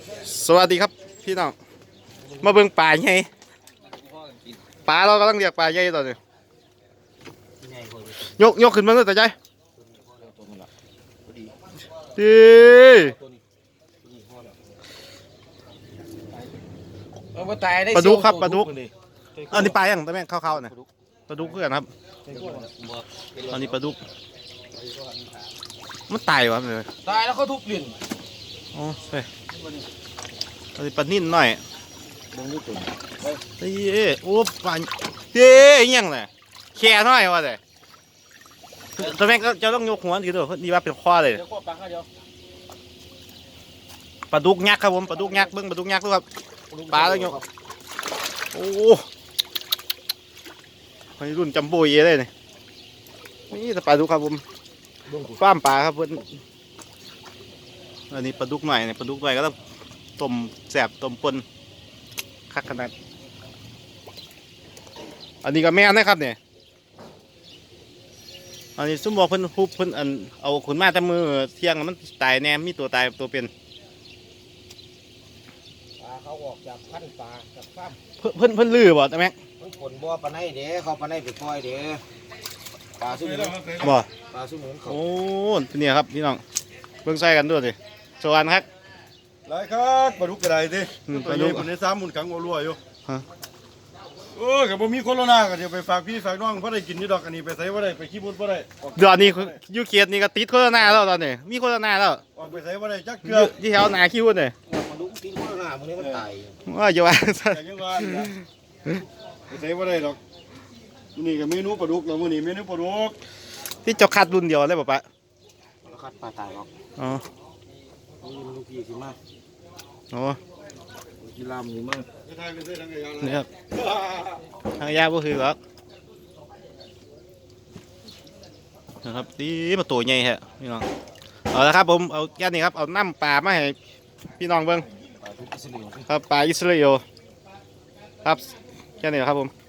สวัสดีครับพี่น้องมาเบิ่งป่าใหญ่ป่าเรากำลังเรียกป่าใหญ่ตอนนี้ยกขึ้นมาเลยแต่ใจดีปลาดุกครับปลาดุกอันนี้ปลาอย่างแต่แม่งเข้าๆนะปลาดุกเพื่อนครับอันนี้ปลาดุกมันตายวะเลยตายแล้วเขาทุบลิ้นอ๋อใช่อันนี้ปลานิ่นหน่อยมึงดูตุ่นเฮ้ยโอ้ปลาเฮ้ยยังไงแค่หน่อยวะเลยแต่แม่งก็จะต้องยกหัวทีเดียวดีว่าเป็นข้อเลยเดี๋ยวข้อปลาข้าเดียวปลาดุกยักษ์ครับผมปลาดุกยักษ์เบิ้งปลาดุกยักษ์ดูครับปลาแล้วยกโอ้ยรุ่นจัมโบ้เย่เลยนี่แต่ปลาดุกครับผมฟ้ามปลาครับเพื่อนอันนี้ปลาดุกหน่อยเนี่ยปลาดุกหน่อยก็ต้องต้มแสบต้มปนคักขนาดอันนี้ก็แม่นนะครับเนี่ยอันนี้ซุ่มบอกเพิ่นฮุบเพิ่นอันเอาขุนมาแต่มือเที่ยงมันตายแน่มีตัวตายตัวเป็นปลาเขาออกจากพันปลาจากฟาร์มเพิ่นลือบ่แต่แม่งมันผลบ่อปลาไหนเด้เขาปลาไหนไปปล่อยเด้ปลาสุ่มบ่ปลาสุ่มเขาโอ้เนี่ยครับพี่น้องเบิ่งใส่กันด้วยสิสวัสดีครับหลายครับปลาดุกกระไดดิปลาดุกคนในซ้ำมุนขังวัวอยู่ฮะกับบ่มีโคโรนาก็เดี๋ยวไปฝากพี่ฝากน้องเพราะได้กินนี่ดอกอันนี้ไปใส่บ่ได้ไปขี้บุญบ่ได้เดี๋ยวนี้ยูเคียดนี่ก็ติดโฆษณาแล้วตอนนี้มีโฆษณาแล้วออกไปใส่บ่ได้จักอเกลือยู่ที่แถวหนาคิวเนี่ยปลาดุกตีนข้างหน้ามึงนี่มันตายว่าจะว่าแต่ยังว่านี่นะไปใส่บ่ได้ดอกนี่ก็เมนูปลาดุกแล้วมื้อนี้เมนูปลาดุกที่เจ้าคัดรุ่นเดียวเลยป่ะปะแล้วคัดปลาตายหรอกอ๋อนี่ลูกพี่สิมาอ๋อกีฬามึงมาจะทายไปใส่ทางไหนกันนี่ครับทางยากก็คือแล้วนะครับดีมาตัวใหญ่ฮะพี่น้องเอาละครับผมเอาแค่นี้ครับเอาน้ำปลามาให้พี่น้องเบิ่งปลาดุกอิสราเอลครับปลาอิสราเอลครับแค่นี้ครับผม